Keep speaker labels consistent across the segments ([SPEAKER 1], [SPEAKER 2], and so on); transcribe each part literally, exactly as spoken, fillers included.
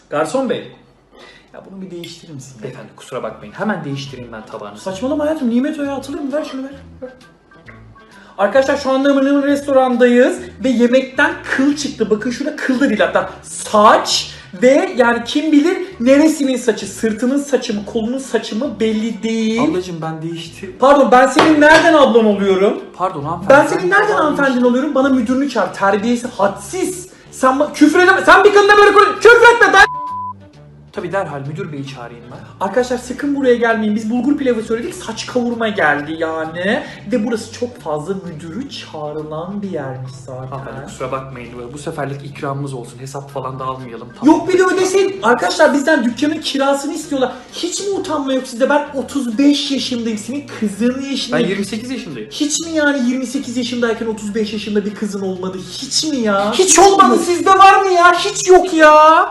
[SPEAKER 1] Garson bey. Ya bunu bir değiştirir misin? Beyefendi kusura bakmayın. Hemen değiştireyim ben tabağını.
[SPEAKER 2] Saçmalama hayatım. Nimet Oya atılır mı? Ver şunu ver. ver. Arkadaşlar şu anda Mırnır restorandayız ve yemekten kıl çıktı. Bakın şurada kıl da değil hatta saç ve yani kim bilir neresinin saçı, sırtının saçı mı, kolunun saçı mı belli değil.
[SPEAKER 1] Ablacım ben değişti.
[SPEAKER 2] Pardon ben senin nereden ablan oluyorum?
[SPEAKER 1] Pardon hanımefendi.
[SPEAKER 2] Ben senin nereden hanımefendin oluyorum? Bana müdürünü çağır. Terbiyesi hadsiz. Sen ba- küfür edeme. Sen bir kadına böyle konuş. Küfür etme ben.
[SPEAKER 1] Tabii derhal müdür beyi çağırayım ben.
[SPEAKER 2] Arkadaşlar sakın buraya gelmeyin. Biz bulgur pilavı söyledik. Saç kavurma geldi yani. Ve burası çok fazla müdürü çağrılan bir yermiş zaten.
[SPEAKER 1] Hanımefendi kusura bakmayın. Bu seferlik ikramımız olsun. Hesap falan da almayalım. Tamam.
[SPEAKER 2] Yok bir de ödesin. Arkadaşlar bizden dükkanın kirasını istiyorlar. Hiç mi utanma yok sizde? Ben otuz beş yaşındayım. Senin kızın
[SPEAKER 1] Ben
[SPEAKER 2] yaşındayım.
[SPEAKER 1] yirmi sekiz yaşındayım.
[SPEAKER 2] Hiç mi yani yirmi sekiz yaşındayken otuz beş yaşında bir kızın olmadı? Hiç mi ya? Hiç olmadı. Sizde var mı ya? Hiç yok ya.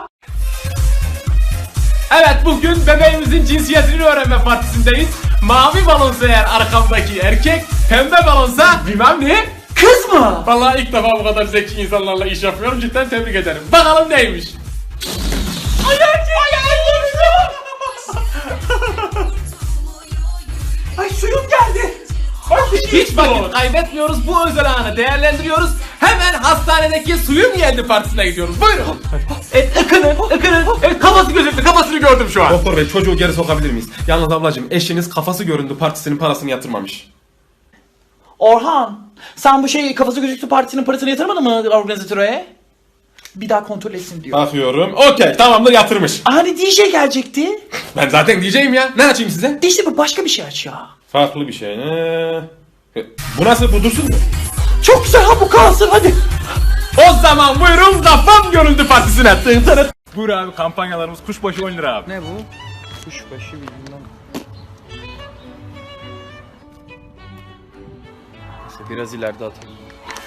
[SPEAKER 3] Evet, bugün bebeğimizin cinsiyetini öğrenme partisindeyiz. Mavi balonsa eğer arkamdaki erkek, pembe balonsa bilmem ne
[SPEAKER 2] Kız mı?
[SPEAKER 3] Vallahi ilk defa bu kadar zeki insanlarla iş yapıyorum, cidden tebrik ederim. Bakalım neymiş? Ay erkek!
[SPEAKER 2] Ay suyum geldi.
[SPEAKER 3] Hiç vakit kaybetmiyoruz, bu özel anı değerlendiriyoruz. Hemen hastanedeki suyum geldi partisine gidiyoruz. Buyurun. Evet, ıkının, ıkının. Evet, kafası gözüktü, kafasını gördüm şu an.
[SPEAKER 4] Doktor bey çocuğu geri sokabilir miyiz? Yalnız ablacığım eşiniz kafası göründü partisinin parasını yatırmamış.
[SPEAKER 2] Orhan, sen bu şey kafası gözüktü partisinin parasını yatırmadın mı organizatöre? Bir daha kontrol etsin diyor.
[SPEAKER 4] Bakıyorum. Okey tamamdır yatırmış.
[SPEAKER 2] Hani D J gelecekti.
[SPEAKER 4] Ben zaten diyeceğim ya. Ne açayım size?
[SPEAKER 2] İşte bu başka bir şey aç ya.
[SPEAKER 4] Farklı bir şey. Ee, bu nasıl? Bu dursun mu?
[SPEAKER 2] Çok güzel ha bu kalsın hadi.
[SPEAKER 3] O zaman buyurun kafam görüldü partisine. Tın tın. Buyur abi, kampanyalarımız kuşbaşı on lira abi.
[SPEAKER 1] Ne bu? Kuşbaşı bilmem. Neyse biraz ileride atalım.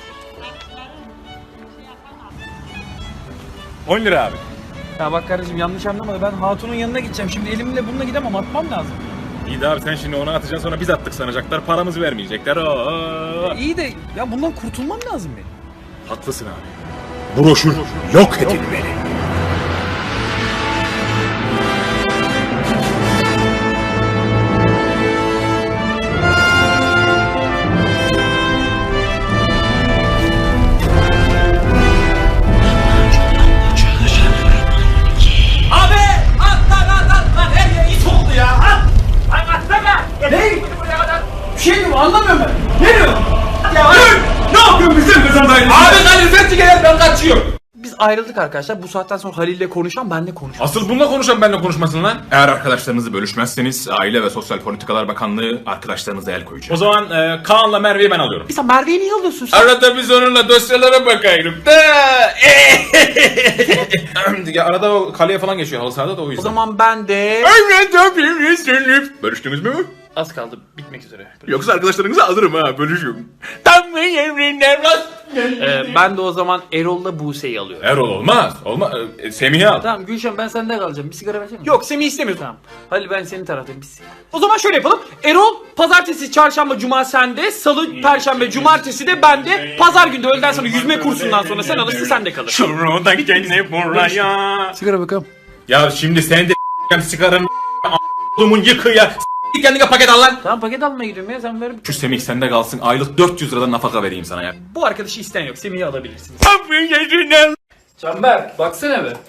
[SPEAKER 3] on lira abi.
[SPEAKER 1] Ya bak kardeşim yanlış anlama da ben hatunun yanına gideceğim. Şimdi elimle bununla gidemem, atmam lazım.
[SPEAKER 3] İyi de abi sen şimdi onu atacaksın, sonra biz attık sanacaklar, paramızı vermeyecekler. Oo.
[SPEAKER 1] İyi de ya bundan kurtulmam lazım benim.
[SPEAKER 3] Haklısın abi. Broşür yok edilmeli.
[SPEAKER 2] Bir şey mi anlamıyorum ben. Ne diyor? Ya
[SPEAKER 3] Dur! Ne yapıyorsun bizim kızın dayını? Abi Halil sen çıkar, ben kaçıyorum.
[SPEAKER 1] Biz ayrıldık arkadaşlar. Bu saatten sonra Halil'le konuşan benle konuşan.
[SPEAKER 4] Asıl bununla konuşan benimle konuşmasın lan. Eğer arkadaşlarınızı bölüşmezseniz Aile ve Sosyal Politikalar Bakanlığı arkadaşlarınıza el koyacak.
[SPEAKER 3] O zaman e, Kaan'la Merve'yi ben alıyorum.
[SPEAKER 1] Sen Merve'yi niye alıyorsun sen?
[SPEAKER 4] Arada biz onunla dosyalara bakayım da. Ya arada o kaleye falan geçiyor halı sahada da o yüzden.
[SPEAKER 1] O zaman ben de...
[SPEAKER 4] Bölüştünüz mü?
[SPEAKER 1] Az kaldı bitmek üzere.
[SPEAKER 4] Yoksa arkadaşlarınızı alırım ha bölüşüm. Tam mı emrinden
[SPEAKER 1] Ee, ben de o zaman Erol'la Buse'yi alıyorum.
[SPEAKER 4] Erol olmaz. Olmaz. E, Semih'i al.
[SPEAKER 1] Tamam Gülşen ben sende kalacağım. Bir sigara versene.
[SPEAKER 2] Yok Semih istemiyor.
[SPEAKER 1] Tamam. Halil ben senin taraftayım. Bir sigara.
[SPEAKER 2] O zaman şöyle yapalım. Erol pazartesi, çarşamba, cuma sende, salı, perşembe, cumartesi de bende. Pazar günü de öğleden sonra yüzme kursundan sonra sen alırsın sen de kalır.
[SPEAKER 3] Şuradan gene buraya.
[SPEAKER 1] Sigara bakalım.
[SPEAKER 4] Ya şimdi sen de sigaranın a***lumun yıkı ya. S*** kendine paket al lan.
[SPEAKER 1] Tamam paket almaya gidiyorum ya sen ver.
[SPEAKER 4] Şu Semih sende kalsın. Aylık dört yüz liradan nafaka vereyim sana ya.
[SPEAKER 2] Bu arkadaşı isteyen yok. Semih'i alabilirsiniz.
[SPEAKER 1] Canberk baksana be.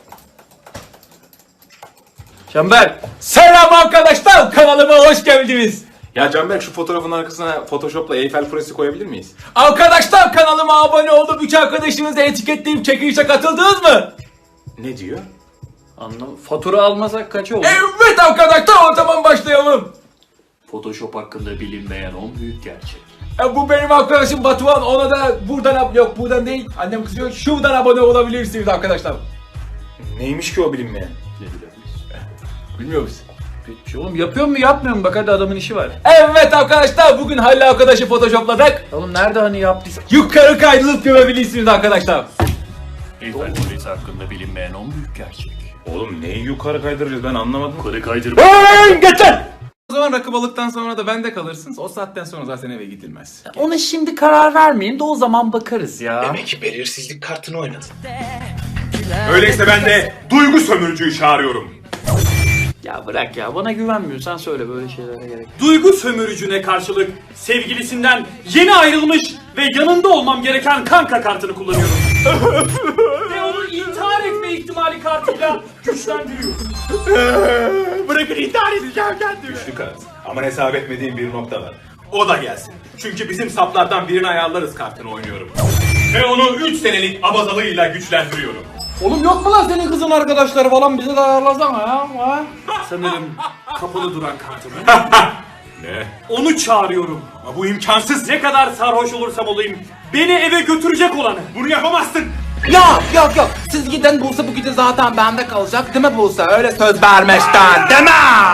[SPEAKER 1] Canberk.
[SPEAKER 3] Selam arkadaşlar, kanalıma hoş geldiniz.
[SPEAKER 4] Ya Canberk şu fotoğrafın arkasına Photoshop'la Eyfel Kulesi koyabilir miyiz?
[SPEAKER 3] Arkadaşlar kanalıma abone olup üç arkadaşınızı etiketleyip çekilişe katıldınız mı?
[SPEAKER 4] Ne diyor?
[SPEAKER 1] Anlam. Fatura almasak kaç oldu?
[SPEAKER 3] Evet arkadaşlar, o zaman başlayalım.
[SPEAKER 1] Photoshop hakkında bilinmeyen on büyük gerçek.
[SPEAKER 3] E, bu benim arkadaşım Batuhan, ona da buradan ab- yok buradan değil, annem kızıyor, şuradan abone olabilirsiniz arkadaşlar.
[SPEAKER 4] Neymiş ki o bilinmeyen?
[SPEAKER 1] Ne bilebiliriz?
[SPEAKER 3] Bilmiyor musun?
[SPEAKER 1] Peki oğlum yapıyor mu yapmıyor mu? Bak hadi adamın işi var.
[SPEAKER 3] Evet arkadaşlar, bugün Halil arkadaşı photoshopladık.
[SPEAKER 1] Oğlum nerede hani yaptıysa?
[SPEAKER 3] Yukarı kaydırıp görebilirsiniz arkadaşlar.
[SPEAKER 1] Eyfel Kulesi hakkında bilinmeyen on büyük gerçek.
[SPEAKER 4] Oğlum neyi yukarı kaydıracağız ben anlamadım.
[SPEAKER 1] Yukarı kaydırma.
[SPEAKER 3] Geçen!
[SPEAKER 4] O zaman rakı balıktan sonra da bende kalırsınız. O saatten sonra zaten eve gidilmez.
[SPEAKER 1] Ona şimdi karar vermeyin de o zaman bakarız ya.
[SPEAKER 5] Demek ki belirsizlik kartını oynadın.
[SPEAKER 4] Öyleyse ben de duygu sömürücüyü çağırıyorum.
[SPEAKER 1] Ya bırak ya, bana güvenmiyorsan söyle, böyle şeylere gerek yok.
[SPEAKER 2] Duygu sömürücüne karşılık sevgilisinden yeni ayrılmış ve yanında olmam gereken kanka kartını kullanıyorum. Ve onu intihar etme ihtimali kartıyla güçlendiriyorum.
[SPEAKER 4] Bırakın intihar edeceğim kendimi. Güçlü kart. Ama hesap etmediğim bir nokta var. O da gelsin. Çünkü bizim saplardan birini ayarlarız kartını oynuyorum. Ve onu üç senelik abazalığıyla güçlendiriyorum.
[SPEAKER 3] Oğlum yok mu lan senin kızın arkadaşları falan, bize de ayarlasana ya. Ha?
[SPEAKER 2] Sanırım kapalı duran kartımı.
[SPEAKER 4] Ne?
[SPEAKER 2] Onu çağırıyorum.
[SPEAKER 4] Ama bu imkansız.
[SPEAKER 2] Ne kadar sarhoş olursam olayım, beni eve götürecek olanı.
[SPEAKER 4] Bunu yapamazsın.
[SPEAKER 3] Yok yok yok, siz giden Buse bu gece zaten bende kalacak değil mi Buse? Öyle söz vermişten değil mi?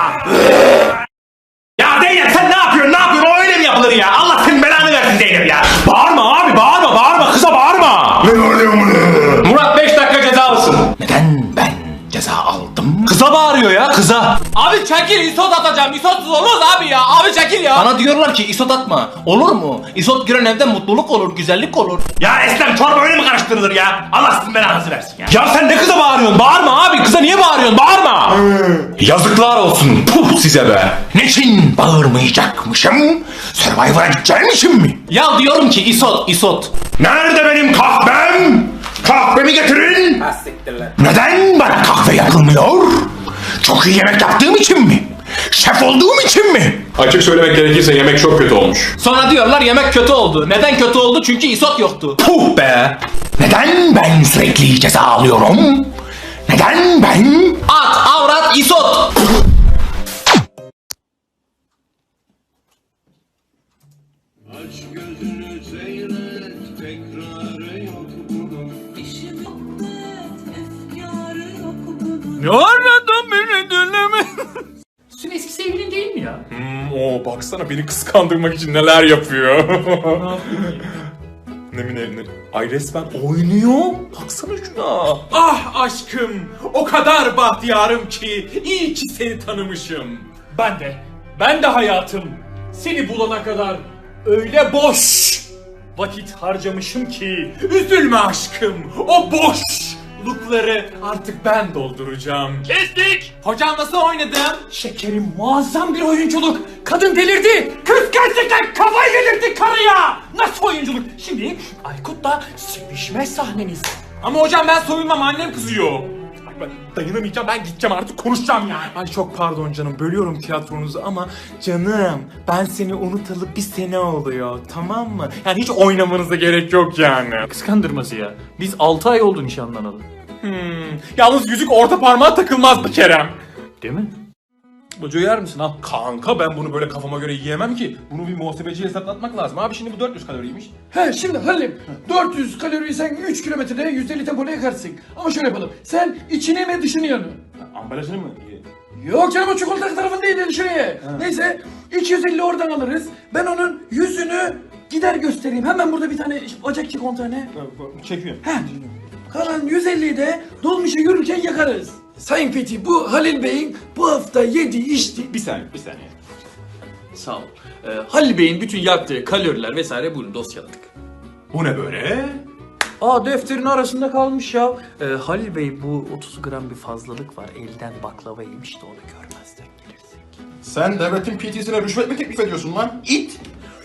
[SPEAKER 4] Ya Zeynep sen ne yapıyorsun? Ne yapıyorsun? O öyle mi yapılır ya? Allah senin belanı versin Zeynep ya. Bağırma abi, bağırma, bağırma. Kıza bağırma. Ne oluyor bunu? Murat beş dakika ceza alsın.
[SPEAKER 3] Neden ben ceza aldım?
[SPEAKER 4] Kıza bağırıyor ya, kıza.
[SPEAKER 3] Abi çekil, isot atacağım. İsotsuz olmaz abi ya. Abi çekil ya. Bana diyorlar ki isot atma. Olur mu? İsot giren evde mutluluk olur, güzellik olur.
[SPEAKER 4] Ya Eslem çorba öyle mi karıştırılır ya? Allah sizin belanızı versin ya. Ya sen ne kıza bağırıyorsun? Bağırma abi. Kıza niye bağırıyorsun? Bağırma. Yazıklar olsun. Puh size be.
[SPEAKER 3] Niçin bağırmayacakmışım? Survivor'a gideceğim için mi? Ya diyorum ki isot, isot.
[SPEAKER 4] Nerede benim kahvem? Kahvemi getirin.
[SPEAKER 3] Neden bana kahve yapılmıyor? Çok iyi yemek yaptığım için mi? Şef olduğum için mi?
[SPEAKER 4] Açık söylemek gerekirse yemek çok kötü olmuş.
[SPEAKER 3] Sonra diyorlar yemek kötü oldu. Neden kötü oldu? Çünkü isot yoktu. Puh be! Neden ben sürekli ceza alıyorum? Neden ben? At, avrat, isot!
[SPEAKER 5] Aç gözünü seyret, tekrarı yok bunun. İşim et, efkarı yok bunun.
[SPEAKER 2] Ne aradan beni dinleme.
[SPEAKER 1] Senin eski sevgilin değil mi ya?
[SPEAKER 4] Hmm, o baksana beni kıskandırmak için neler yapıyor. ne mi ne, ne? Ay resmen oynuyor. Baksana şuna.
[SPEAKER 2] Ah aşkım, o kadar bahtiyarım ki iyi ki seni tanımışım. Ben de, ben de hayatım seni bulana kadar öyle boş vakit harcamışım ki üzülme aşkım, o boşlukları artık ben dolduracağım. Kestik!
[SPEAKER 3] Hocam nasıl oynadım?
[SPEAKER 2] Şekerim, muazzam bir oyunculuk. Kadın delirdi. Kız gerçekten kafayı delirdi karıya. Nasıl oyunculuk? Şimdi Aykut'la sevişme sahneniz.
[SPEAKER 3] Ama hocam ben soyunmam, annem kızıyor.
[SPEAKER 4] Ay ben dayanamayacağım, ben gideceğim artık konuşacağım yani.
[SPEAKER 2] Ay çok pardon canım, bölüyorum tiyatronuzu ama canım ben seni unutalı bir sene oluyor, tamam mı? Yani hiç oynamanıza gerek yok yani.
[SPEAKER 1] Kıskandırması ya. Biz altı ay oldu nişanlanalı.
[SPEAKER 2] Hmm. Yalnız yüzük orta parmağa takılmazdı Kerem.
[SPEAKER 1] Değil mi?
[SPEAKER 2] Bocu yer misin al?
[SPEAKER 4] Kanka ben bunu böyle kafama göre yiyemem ki. Bunu bir muhasebeciye hesaplatmak lazım. Abi şimdi bu dört yüz kaloriymiş.
[SPEAKER 6] He şimdi Halim dört yüz kaloriyi sen üç kilometrede yüz elli tempoda yakarsın. Ama şöyle yapalım. Sen içini mi dışını yanı?
[SPEAKER 4] Ambalajını mı?
[SPEAKER 6] Yok canım o çikolata tarafındaydı dışını ye. Neyse iki yüz elli oradan alırız. Ben onun yüzünü gider göstereyim. Hemen burada bir tane bacak çek on tane.
[SPEAKER 4] Çekiyorum.
[SPEAKER 6] He. Kalan yüz elliyi de dolmuşa yürürken yakarız. Sayın Fethi bu Halil Bey'in bu hafta yediği içti.
[SPEAKER 4] Bir saniye, bir saniye.
[SPEAKER 1] Sağ ol. Ee, Halil Bey'in bütün yaktığı kaloriler vesaire bunu dosyaladık.
[SPEAKER 4] Bu ne böyle?
[SPEAKER 1] Aa, defterin arasında kalmış ya. Ee, Halil Bey, bu otuz gram bir fazlalık var. Elden baklava yemiş de onu görmezden gelirsek.
[SPEAKER 7] Sen devletin P T'sine rüşvet mi teklif ediyorsun lan? İt!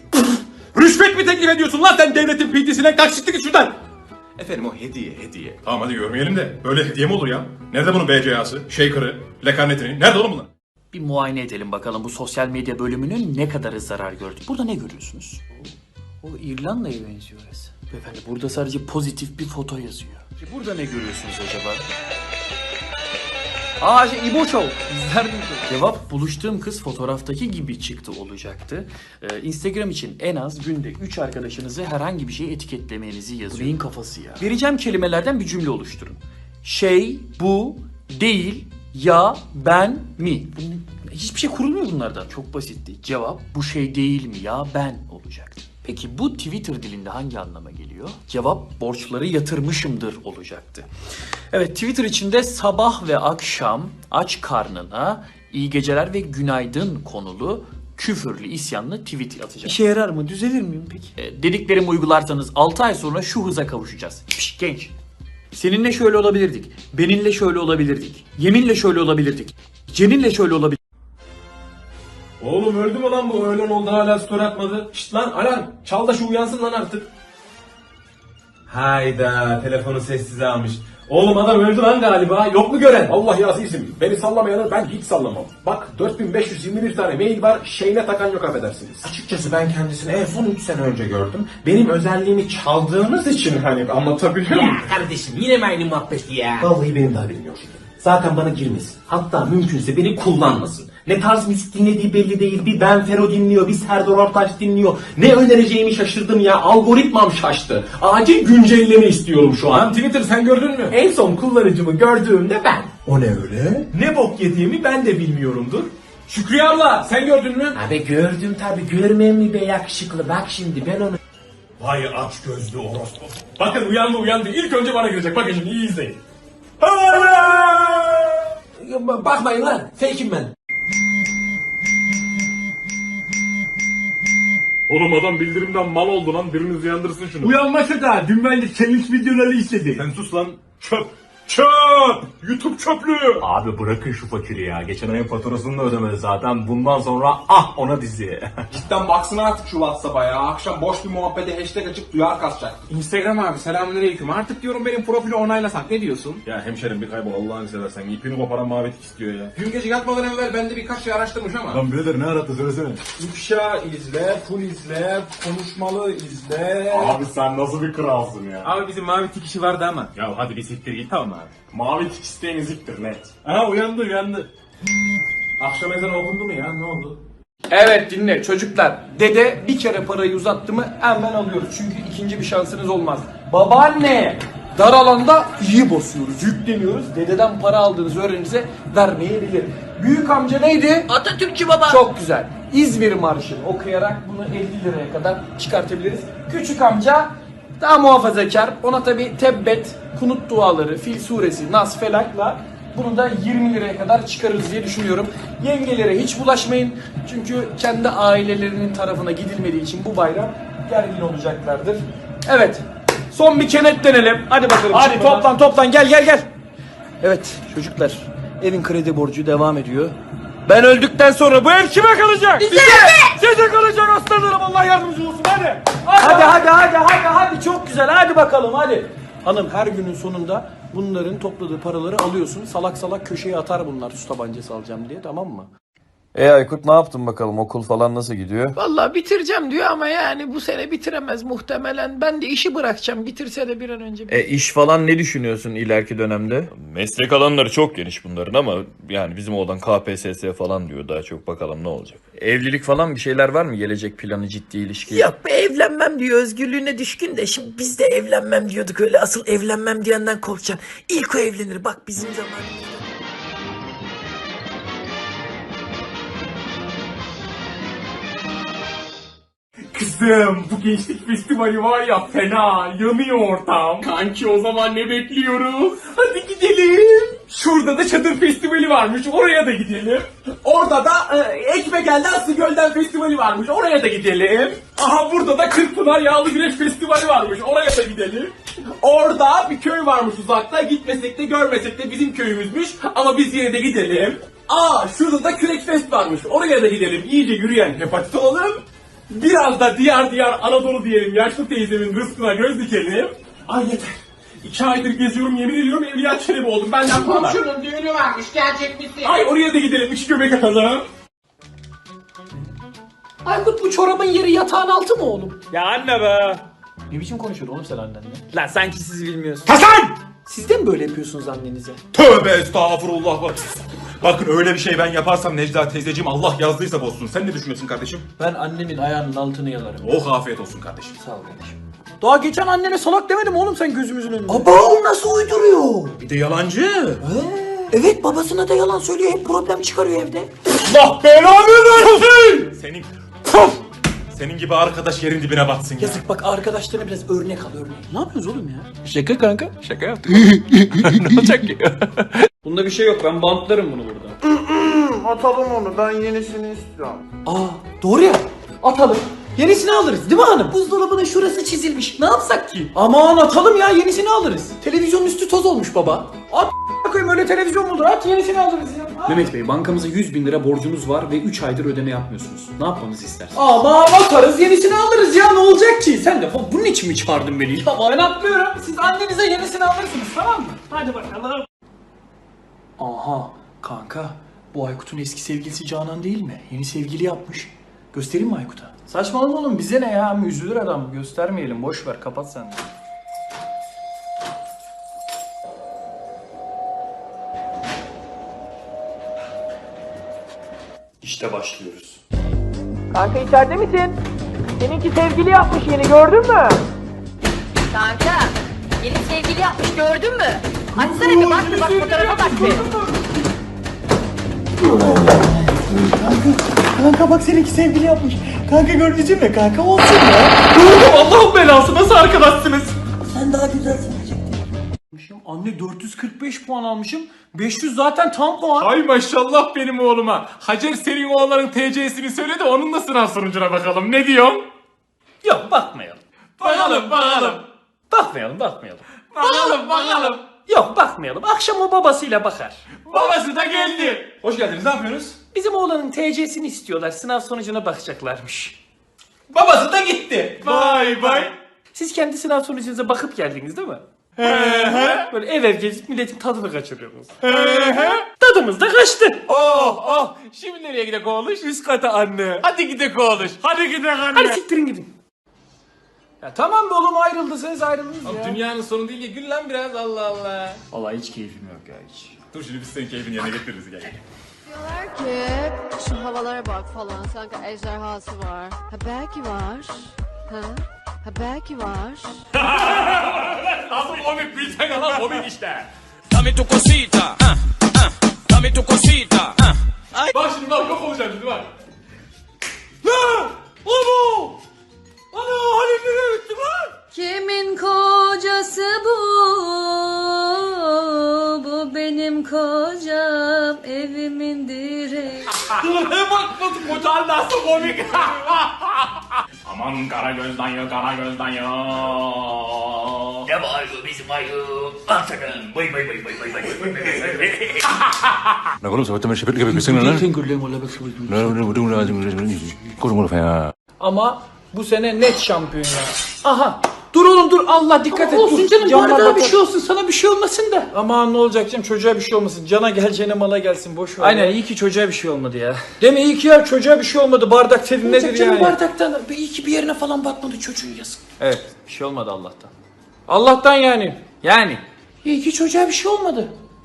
[SPEAKER 2] Rüşvet mi teklif ediyorsun lan sen devletin P T'sine? Kaç çıktı git şuradan.
[SPEAKER 4] Efendim o hediye, hediye. Tamam hadi görmeyelim de. Böyle hediye mi olur ya? Nerede bunun B C A'sı, shaker'ı, lekarnetini? Nerede oğlum bunlar?
[SPEAKER 1] Bir muayene edelim bakalım bu sosyal medya bölümünün ne kadarı zarar gördü. Burada ne görüyorsunuz? O İrlanda'ya benziyor orası. Beyefendi burada sadece pozitif bir foto yazıyor. Burada ne görüyorsunuz acaba? Aa şey İbo Show. İzler miydin? Cevap buluştuğum kız fotoğraftaki gibi çıktı olacaktı. Ee, Instagram için en az günde üç arkadaşınızı herhangi bir şey etiketlemenizi yazıyor. Neyin kafası ya? Vereceğim kelimelerden bir cümle oluşturun. Şey, bu, değil, ya, ben, mi. Bunun, hiçbir şey kurulmuyor bunlardan. Çok basitti. Cevap bu şey değil mi ya ben olacaktı. Peki bu Twitter dilinde hangi anlama geliyor? Cevap borçları yatırmışımdır olacaktı. Evet, Twitter içinde sabah ve akşam aç karnına iyi geceler ve günaydın konulu küfürlü isyanlı tweet atacağım. İşe yarar mı? Düzelir miyim peki? E, dediklerimi uygularsanız altı ay sonra şu hıza kavuşacağız. Piş, genç. Seninle şöyle olabilirdik. Beninle şöyle olabilirdik. Yeminle şöyle olabilirdik. Ceninle şöyle olabilirdik.
[SPEAKER 3] Oğlum öldü mü lan bu? Öğlen oldu hala story atmadı. Şşt lan alarm. Çal da şu uyansın lan artık. Hayda telefonu sessize almış. Oğlum adam öldü lan galiba. Yok mu gören?
[SPEAKER 7] Allah ya azizim. Beni sallamayanı ben hiç sallamam. Bak dört bin beş yüz yirmi bir tane mail var. Şeyine takan yok affedersiniz.
[SPEAKER 3] Açıkçası ben kendisini en son üç sene önce gördüm. Benim özelliğimi çaldığınız için hani anlatabiliyor muyum? Kardeşim yine mi aynı muhabbeti ya? Vallahi benim de haberim yok. Zaten bana girmesin. Hatta mümkünse beni kullanmasın. Ne tarz müzik dinlediği belli değil. Bir Ben Fero dinliyor, bir Serdar Ortaç dinliyor. Ne önereceğimi şaşırdım ya. Algoritmam şaştı. Acil güncelleme istiyorum şu an.
[SPEAKER 7] Lan Twitter sen gördün mü?
[SPEAKER 3] En son kullanıcımı gördüğümde ben.
[SPEAKER 7] O ne öyle?
[SPEAKER 3] Ne bok yediğimi ben de bilmiyorumdur. Şükriye abla sen gördün mü?
[SPEAKER 2] Abi gördüm tabi, görmem mi be yakışıklı, bak şimdi ben onu...
[SPEAKER 3] Vay aç gözlü orospu. Bakın uyandı uyandı. İlk önce bana girecek. Bakın şimdi iyi izleyin.
[SPEAKER 2] Bakmayın lan, fake'im ben.
[SPEAKER 4] Oğlum adam bildirimden mal oldu lan. Biriniz uyandırsın şunu.
[SPEAKER 3] Uyanmasa da dün ben de challenge videoları izledim.
[SPEAKER 4] Sen sus lan. Çöp. Çöp. YouTube çöplüğü.
[SPEAKER 8] Abi bırakın şu fakiri ya. Geçen ayın faturasını da ödemedi zaten. Bundan sonra ah ona dizi.
[SPEAKER 7] Cidden baksana artık şu WhatsApp'a ya. Akşam boş bir muhabbete hashtag açıp duyar kasacak.
[SPEAKER 3] Instagram abi selamünaleyküm. Artık diyorum benim profili onaylasak ne diyorsun?
[SPEAKER 4] Ya hemşerim bir kaybol Allah'ını seversen. İpini koparan mavi tik istiyor ya.
[SPEAKER 7] Dün gece yatmadan evvel ben de birkaç şey araştırmış ama.
[SPEAKER 4] Lan birader ne arattı söylesene.
[SPEAKER 7] İfşa izle, full izle, konuşmalı izle.
[SPEAKER 8] Abi sen nasıl bir kralsın ya.
[SPEAKER 3] Abi bizim mavi tik işi vardı ama.
[SPEAKER 4] Ya hadi bir siktir git tamam abi.
[SPEAKER 8] Mavi tik isteyen eziktir net.
[SPEAKER 4] Aha uyandı uyandı.
[SPEAKER 3] Akşam ezanı okundu mu ya ne oldu?
[SPEAKER 2] Evet dinle çocuklar. Dede bir kere parayı uzattı mı hemen alıyoruz. Çünkü ikinci bir şansınız olmaz. Babaanne dar alanda iyi basıyoruz, yükleniyoruz. Dededen para aldığınızı öğrenince vermeyebilir. Büyük amca neydi? Atatürkçü baba. Çok güzel. İzmir Marşı'nı okuyarak bunu elli liraya kadar çıkartabiliriz. Küçük amca daha muhafazakar. Ona tabi tebbet, kunut duaları, Fil suresi, Nas, Felak'la bunu da yirmi liraya kadar çıkarırız diye düşünüyorum. Yengelere hiç bulaşmayın. Çünkü kendi ailelerinin tarafına gidilmediği için bu bayram gergin olacaklardır. Evet. Son bir kenetlenelim. Hadi bakalım. Hadi çıkmadan. toplan toplan gel gel gel. Evet çocuklar. Evin kredi borcu devam ediyor. Ben öldükten sonra bu ev kime kalacak? Bize! Size kalacak aslanlarım. Allah yardımcınız olsun hadi. Hadi hadi hadi hadi hadi çok güzel hadi bakalım hadi. Hanım her günün sonunda bunların topladığı paraları alıyorsun. Salak salak köşeye atar bunlar su tabancası alacağım diye, tamam mı?
[SPEAKER 9] E Aykut ne yaptın bakalım, okul falan nasıl gidiyor?
[SPEAKER 10] Vallahi bitireceğim diyor ama yani bu sene bitiremez muhtemelen. Ben de işi bırakacağım. Bitirse de bir an önce.
[SPEAKER 9] E iş falan ne düşünüyorsun ileriki dönemde? Meslek alanları çok geniş bunların ama yani bizim oğlan K P S S falan diyor, daha çok bakalım ne olacak. Evlilik falan bir şeyler var mı, gelecek planı, ciddi ilişki?
[SPEAKER 10] Yok be, evlenmem diyor, özgürlüğüne düşkün de. Şimdi biz de evlenmem diyorduk, öyle asıl evlenmem diyenden korkacaksın. İlk o evlenir bak bizim zamanımızda.
[SPEAKER 3] Kızım bu gençlik festivali var ya fena yanıyor ortam. Kanki o zaman ne bekliyoruz? Hadi gidelim. Şurada da çadır festivali varmış, oraya da gidelim. Orada da e, Ekmegel'de Aslı Gölden festivali varmış, oraya da gidelim. Aha burada da Kırkpınar Yağlı Güreş festivali varmış, oraya da gidelim. Orada bir köy varmış uzakta, gitmesek de görmesek de bizim köyümüzmüş ama biz yine de gidelim. Aa şurada da Kürek Fest varmış, oraya da gidelim. İyice yürüyen hepatit olalım. Biraz da diyar diyar Anadolu diyelim, yaşlı teyzemin rızkına göz dikelim. Ay yeter. İki aydır geziyorum, yemin ediyorum Evliya Çelebi oldum. Benden falan.
[SPEAKER 5] Komşunun düğünü varmış, gelecek misin?
[SPEAKER 3] Ay oraya da gidelim, iki göbek atalım.
[SPEAKER 10] Aykut bu çorabın yeri yatağın altı mı oğlum?
[SPEAKER 2] Ya anne be. Ne biçim konuşuyorsun oğlum sen annenle? Lan sanki siz bilmiyorsunuz.
[SPEAKER 3] Hasan!
[SPEAKER 2] Siz de mi böyle yapıyorsunuz annenize?
[SPEAKER 4] Tövbe estağfurullah. Bak. Bakın öyle bir şey ben yaparsam Necla teyzeciğim Allah yazdıysa bozsun. Sen ne düşünüyorsun kardeşim?
[SPEAKER 2] Ben annemin ayağının altını yalarım.
[SPEAKER 4] Oh afiyet olsun kardeşim.
[SPEAKER 2] Sağ ol kardeşim. Daha geçen annene salak demedim oğlum sen gözümüzün önünde.
[SPEAKER 10] Baba o nasıl uyduruyor?
[SPEAKER 4] Bir de yalancı.
[SPEAKER 10] Evet babasına da yalan söylüyor, hep problem çıkarıyor evde.
[SPEAKER 4] Allah belanı versin. Senin Senin gibi arkadaş yerin dibine batsın ya.
[SPEAKER 2] Yazık bak, arkadaşlarına biraz örnek al örnek. Ne yapıyorsunuz oğlum ya?
[SPEAKER 1] Şaka kanka. Şaka yaptık. Ne olacak ki?
[SPEAKER 2] Bunda bir şey yok, ben bantlarım bunu burada.
[SPEAKER 6] Atalım onu, ben yenisini istiyorum.
[SPEAKER 2] Aa doğru ya. Atalım. Yenisini alırız değil mi hanım?
[SPEAKER 10] Buzdolabının şurası çizilmiş. Ne yapsak ki?
[SPEAKER 2] Aman atalım ya, yenisini alırız. Televizyonun üstü toz olmuş baba. At koyayım, öyle televizyon mu olur? At, yenisini alırız ya.
[SPEAKER 3] Mehmet Bey, bankamıza yüz bin lira borcunuz var ve üç aydır ödeme yapmıyorsunuz. Ne yapmamızı istersiniz?
[SPEAKER 2] Aman atarız, yenisini alırız ya, ne olacak ki? Sen de bunun için mi çağırdın beni? Tamam, ben atmıyorum. Siz annenize yenisini alırsınız, tamam mı? Hadi bakalım. Aha kanka, bu Aykut'un eski sevgilisi Canan değil mi? Yeni sevgili yapmış. Göstereyim mi Aykut'a?
[SPEAKER 1] Saçmalama oğlum, bize ne ya? Üzülür adam. Göstermeyelim. Boş ver. Kapat sen de. İşte başlıyoruz.
[SPEAKER 2] Kanka içeride misin? Seninki sevgili yapmış yeni, gördün mü?
[SPEAKER 11] Kanka, yeni sevgili yapmış gördün mü? Açsana bir bak bir bak fotoğrafa bak bir.
[SPEAKER 2] Kanka bak, seninki sevgili yapmış. Kanka gördün mü kanka, olsun ya. Gördüm, Allah'ın belası, nasıl arkadaşsınız?
[SPEAKER 10] Sen daha güzelsin.
[SPEAKER 2] Anne dört yüz kırk beş puan almışım. beş yüz zaten tam puan.
[SPEAKER 3] Ay maşallah benim oğluma. Hacer senin oğlanın T C'sini söyle de onun da sınav sonucuna bakalım. Ne diyorsun?
[SPEAKER 1] Yok, bakmayalım.
[SPEAKER 3] Bakalım bakalım.
[SPEAKER 1] Bakmayalım, bakmayalım.
[SPEAKER 3] Bakalım bakalım.
[SPEAKER 1] Yok, bakmayalım. Akşam o babasıyla bakar.
[SPEAKER 3] Babası da geldi. Hoş geldiniz, ne yapıyorsunuz?
[SPEAKER 1] Bizim oğlanın T C'sini istiyorlar. Sınav sonucuna bakacaklarmış.
[SPEAKER 3] Babası da gitti. Bay bay.
[SPEAKER 1] Siz kendi sınav sonucunuza bakıp geldiniz değil mi? Böyle ev ev gezip milletin tadını kaçırıyorsunuz. Tadımız da kaçtı.
[SPEAKER 3] Oh oh. Şimdi nereye gidek oğluş? Üst kata anne. Hadi gidek oğluş. Hadi gidek anne.
[SPEAKER 1] Hadi siktirin gidin. Ya tamam be oğlum, ayrıldıysanız ayrıldınız ya.
[SPEAKER 3] Dünyanın sonu değil ya, gül lan biraz, Allah Allah.
[SPEAKER 1] Vallahi hiç keyfim yok ya, hiç.
[SPEAKER 3] Dur şimdi biz senin keyfini yerine getiririz, gel.
[SPEAKER 11] Diyorlar ki şu havalara bak falan, sanki ejderhası var. Ha belki var. Ha? Ha belki var.
[SPEAKER 3] Nasıl komik bilsen lan, komik işte.
[SPEAKER 8] Dame tu cosita, ah, ah, dame tu cosita, ah.
[SPEAKER 3] Bak şimdi bak, yok olacağım şimdi bak.
[SPEAKER 11] Kimin kocası bu? Bu benim kocam, evimin direği.
[SPEAKER 3] Bak nasıl kocan nasıl komik. Aman kara gözden ya, kara gözden ya.
[SPEAKER 10] Ne var bu bizim ayı? Aferin. Bay bay bay bay bay bay.
[SPEAKER 7] 나 그럼 저번 시합 이렇게 백승은 나
[SPEAKER 2] Ama bu sene net şampiyon ya. Aha. Dur oğlum dur, Allah dikkat et.
[SPEAKER 10] Olsun
[SPEAKER 2] dur.
[SPEAKER 10] canım,
[SPEAKER 2] Camlar
[SPEAKER 10] bardağa bir
[SPEAKER 2] batar.
[SPEAKER 10] şey olsun, sana bir şey olmasın da.
[SPEAKER 2] Aman ne olacak canım, çocuğa bir şey olmasın. Cana geleceğine mala gelsin, boş ver.
[SPEAKER 1] Aynen,
[SPEAKER 2] ya.
[SPEAKER 1] iyi ki çocuğa bir şey olmadı ya.
[SPEAKER 2] Değil mi, iyi ki ya, çocuğa bir şey olmadı. Bardak dedin nedir
[SPEAKER 10] Canım
[SPEAKER 2] yani?
[SPEAKER 10] bardaktan iyi ki bir yerine falan batmadı çocuğun, yazık.
[SPEAKER 1] Evet, bir şey olmadı Allah'tan.
[SPEAKER 2] Allah'tan yani.
[SPEAKER 1] Yani.
[SPEAKER 10] İyi ki çocuğa bir şey olmadı.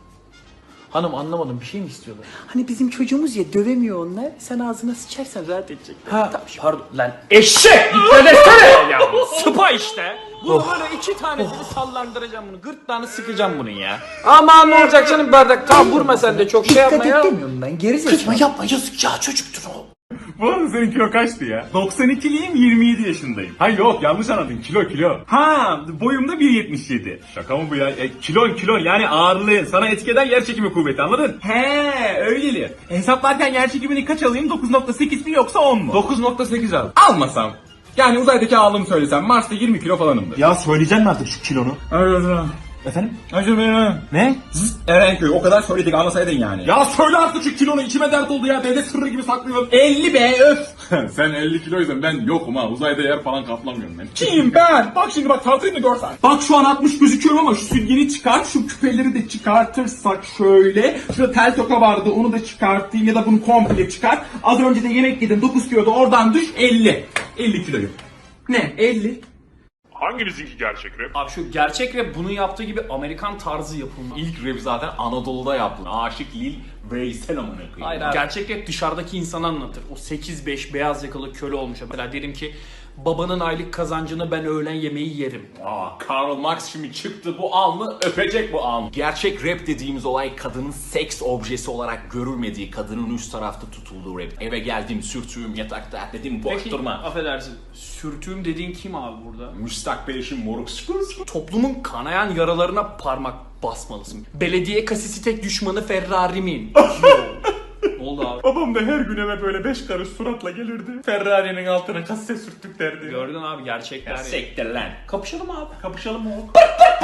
[SPEAKER 1] Hanım anlamadım, bir şey mi istiyorlar?
[SPEAKER 10] Hani bizim çocuğumuz ya, dövemiyor onlar. Sen ağzına sıçarsan rahat edecekler.
[SPEAKER 2] Ha.
[SPEAKER 1] Pardon lan, eşek! Dikkat etsene ya! Sıpa işte! Bunu böyle iki tanesini sallandıracağım bunu. Gırtlağını sıkacağım bunun ya.
[SPEAKER 2] Aman ne olacak canım, bardak. Tam vurma sen de, çok şey yapma
[SPEAKER 10] Dikkat
[SPEAKER 2] ya.
[SPEAKER 10] et demiyorum ben, gerizekalı. Kızma yapma, yazık ya, çocuktur o.
[SPEAKER 8] Bu arada senin kilo kaçtı ya? doksan ikiliyim, yirmi yedi yaşındayım. Ha yok, yanlış anladın, kilo kilo. Ha, boyumda bir yetmiş yedi. Şaka mı bu ya? E, kilon kilon yani ağırlığın sana etki eden yer çekimi kuvveti, anladın? He öyleli. Hesaplarken yer çekimini kaç alayım? dokuz nokta sekiz mi yoksa on mu? dokuz nokta sekiz al. Almasam. Yani uzaydaki ağırlığımı söylesem Mars'ta yirmi kilo falanımdır.
[SPEAKER 7] Ya söyleyeceksin mi artık şu kilonu?
[SPEAKER 8] Efendim? Ne? Erenköy, o kadar söyledik, anlasaydın yani. Ya söyle artık şu kilonu, içime dert oldu ya, devlet sırrı gibi saklıyorum. elli be öf. Sen elli kiloysan ben yokum ha, uzayda yer falan kaplamıyorum ben. Kim ben? Bak şimdi bak, tartayım da görsen. Bak şu an altmış gözüküyorum ama şu sütyeni çıkar, şu küpeleri de çıkartırsak şöyle. Şurada tel toka vardı, onu da çıkartayım ya da bunu komple çıkar. Az önce de yemek yedim, dokuz kilo da oradan düş, elli. elli kiloyum. Ne? elli.
[SPEAKER 4] Hanginizinki gerçek rap?
[SPEAKER 1] Abi şu gerçek rap bunu yaptığı gibi Amerikan tarzı yapılma.
[SPEAKER 8] İlk rap zaten Anadolu'da yaptı. Aşık Lil Veysel amına koyayım.
[SPEAKER 1] Hayır abi. Gerçek rap dışarıdaki insanı anlatır. O sekiz beş beyaz yakalı köle olmuş. Mesela derim ki babanın aylık kazancını ben öğlen yemeği yerim.
[SPEAKER 8] Aa, Karl Marx şimdi çıktı, bu alnı öpecek bu alnı. Gerçek rap dediğimiz olay kadının seks objesi olarak görülmediği, kadının üst tarafta tutulduğu rap. Eve geldim, sürtüğüm, yatakta dedim, boş
[SPEAKER 1] Peki,
[SPEAKER 8] durma.
[SPEAKER 1] affedersin. Sürtüğüm dediğin kim abi burada?
[SPEAKER 8] Müstakbel eşim moruk.
[SPEAKER 1] Toplumun kanayan yaralarına parmak basmalısın. Belediye kasisi tek düşmanı Ferrari'min. oldu abi?
[SPEAKER 3] Babam da her gün eve böyle beş karış suratla gelirdi. Ferrari'nin altına kasse sürttük derdi.
[SPEAKER 1] Gördün abi gerçekler.
[SPEAKER 3] Sektir lan.
[SPEAKER 1] Kapışalım abi.
[SPEAKER 3] Kapışalım mı oğlum?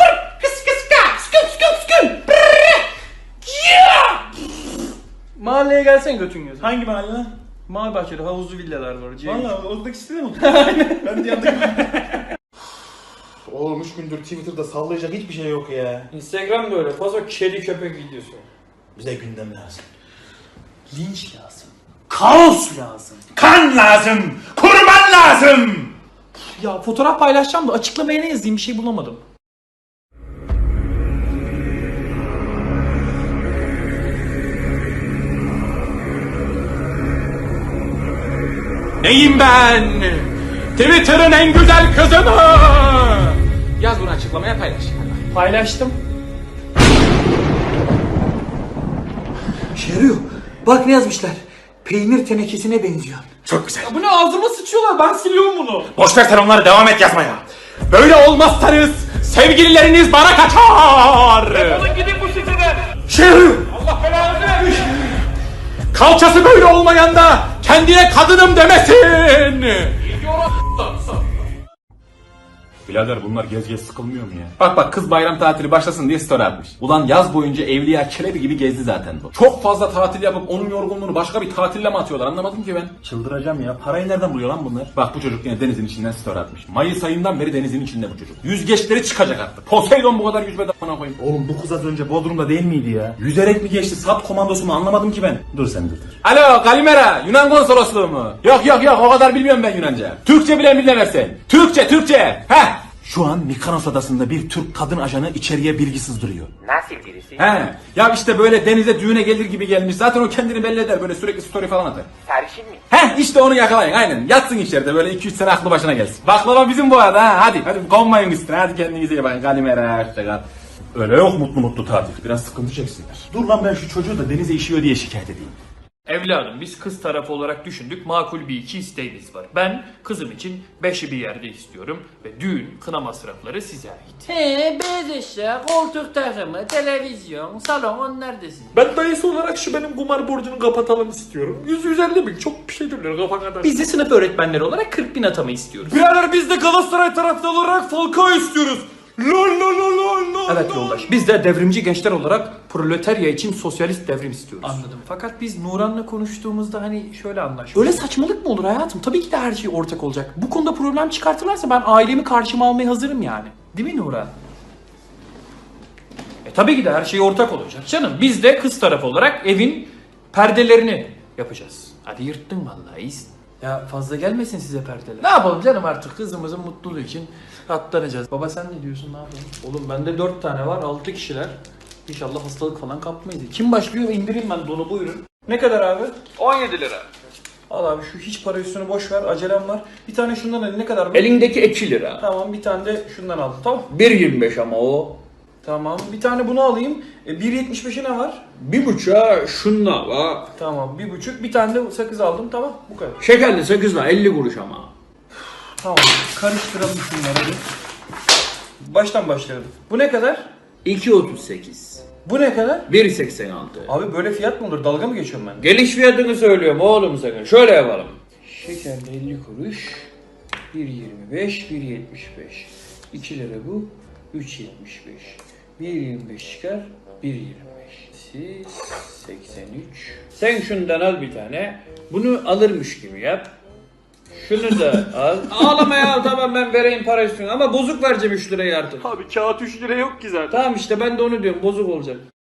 [SPEAKER 1] Mahalleye gelsen götün gözü.
[SPEAKER 3] Hangi mahalle lan?
[SPEAKER 1] Mavi bahçede havuzlu villalar var.
[SPEAKER 3] Valla oradaki sitede mi Ben de yanındaki... Oğlum üç gündür Twitter'da sallayacak hiçbir şey yok ya.
[SPEAKER 1] Instagram böyle fazla kedi köpek videosu.
[SPEAKER 3] Bize gündem lazım.
[SPEAKER 1] Linç lazım. Kaos lazım.
[SPEAKER 3] Kan lazım! Kurban lazım!
[SPEAKER 2] Ya fotoğraf paylaşacağım da açıklamaya ne yazayım bir şey bulamadım.
[SPEAKER 3] Neyim ben? Twitter'ın en güzel kızı mı? Yaz bunu açıklamaya paylaş.
[SPEAKER 2] Paylaştım.
[SPEAKER 10] Şeriyor. Bak ne yazmışlar. Peynir tenekesine benziyor.
[SPEAKER 3] Çok güzel.
[SPEAKER 2] Bu ne ağzıma sıçıyorlar ben siliyorum bunu.
[SPEAKER 3] Boş ver sen onları devam et yazmaya. Böyle olmazsanız sevgilileriniz bana kaçar. Defolun gidin bu siteden. Şeriyor. Allah belanı vermiş. Kalçası böyle olmayan da kendine kadınım demesin. Birader bunlar gez gez sıkılmıyor mu ya? Bak bak kız bayram tatili başlasın diye story atmış. Ulan yaz boyunca Evliya Çelebi gibi gezdi zaten bu. Çok fazla tatil yapıp onun yorgunluğunu başka bir tatille mi atıyorlar anlamadım ki ben. Çıldıracağım ya. Parayı nereden buluyor lan bunlar? Bak bu çocuk yine denizin içinden story atmış. Mayıs ayından beri denizin içinde bu çocuk. Yüzgeçleri çıkacak artık. Poseidon bu kadar yüzmeden bana koyayım. Oğlum bu kız az önce Bodrum'da değil miydi ya? Yüzerek mi geçti? Sap komandosu mu anlamadım ki ben. Dur sen dur dur. Alo Kalimera Yunan konsolosluğu mu? Yok yok yok o kadar bilmiyorum ben Yunanca. Türkçe bilen biline versen. Türkçe Türkçe. Heh. Şu an Mikanos adasında bir Türk kadın ajanı içeriye bilgi sızdırıyor.
[SPEAKER 5] Nasıl birisi?
[SPEAKER 3] He. Ya işte böyle denize düğüne gelir gibi gelmiş. Zaten o kendini belli eder. Böyle sürekli story falan atar.
[SPEAKER 5] Sarışın mı?
[SPEAKER 3] He işte onu yakalayın aynen. Yatsın içeride böyle iki üç sene aklı başına gelsin. Baklava bizim bu arada ha. Hadi hadi konmayın üstüne. Hadi kendinize iyi bakın. Kalimera hoşça kal. Öyle yok mutlu mutlu tatil. Biraz sıkıntı çeksinler. Dur lan ben şu çocuğu da denize işiyor diye şikayet edeyim.
[SPEAKER 1] Evladım biz kız tarafı olarak düşündük. Makul bir iki isteğimiz var. Ben kızım için beşi bir yerde istiyorum. Ve düğün, kına masrafları size ait.
[SPEAKER 10] He, beyaz eşya, koltuk takımı, televizyon, salon onlar desin.
[SPEAKER 3] Ben dayısı olarak şu benim kumar borcunu kapatalım istiyorum. yüz yüz elli bin çok bir şey dönüyor kafa kadar.
[SPEAKER 2] Biz de sınıf öğretmenleri olarak kırk bin atama istiyoruz.
[SPEAKER 3] Birader biz de Galatasaray taraftarı olarak Falcao istiyoruz. Lol lol lol lol lol.
[SPEAKER 2] Evet yoldaş. Biz de devrimci gençler olarak proletarya için sosyalist devrim istiyoruz.
[SPEAKER 1] Anladım. Fakat biz Nuran'la konuştuğumuzda hani şöyle anlaştık.
[SPEAKER 2] Öyle saçmalık mı olur hayatım? Tabii ki de her şey ortak olacak. Bu konuda problem çıkartırlarsa ben ailemi karşıma almaya hazırım yani.
[SPEAKER 1] Değil mi Nuran? E tabii ki de her şey ortak olacak canım. Biz de kız tarafı olarak evin perdelerini yapacağız. Hadi yırttın vallahi iyisin. Ya fazla gelmesin size perdeler. Ne yapalım canım artık kızımızın mutluluğu için katlanacağız. Baba sen ne diyorsun ne yapalım? Oğlum bende dört tane var altı kişiler. İnşallah hastalık falan kapmayız. Kim başlıyor indireyim ben donu buyurun. Ne kadar abi? on yedi lira. Al abi şu hiç para üstünü boş ver acelem var. Bir tane şundan al ne kadar bu?
[SPEAKER 9] Elindeki iki lira.
[SPEAKER 1] Tamam bir tane de şundan al tamam.
[SPEAKER 9] bir yirmi beş ama o.
[SPEAKER 1] Tamam bir tane bunu alayım. E, bir yetmiş beşe ne var?
[SPEAKER 9] Bir buçuğa şunla var.
[SPEAKER 1] Tamam bir buçuk bir tane de sakız aldım tamam bu kadar.
[SPEAKER 9] Şekerli sakızla elli kuruş ama.
[SPEAKER 1] Tamam karıştıralım şunları hadi. Baştan başlayalım. Bu ne kadar?
[SPEAKER 9] iki otuz sekiz.
[SPEAKER 1] Bu ne kadar?
[SPEAKER 9] bir seksen altı.
[SPEAKER 1] Abi böyle fiyat mı olur? Dalga mı geçiyorum ben?
[SPEAKER 9] Geliş fiyatını söylüyorum oğlum sakın. Şöyle yapalım.
[SPEAKER 1] Şekerli elli kuruş. bir yirmi beş, bir yetmiş beş. iki lira bu. üç yetmiş beş. bir yirmi beş çıkar. bir yirmi beş. Siz seksen üç.
[SPEAKER 9] Sen şundan al bir tane. Bunu alırmış gibi yap. Şunu da al. Ağlama ya tamam ben vereyim para üstüne ama bozuk vereceğim üç lirayı artık.
[SPEAKER 1] Abi kağıt üç lira yok ki zaten.
[SPEAKER 9] Tamam işte ben de onu diyorum bozuk olacak.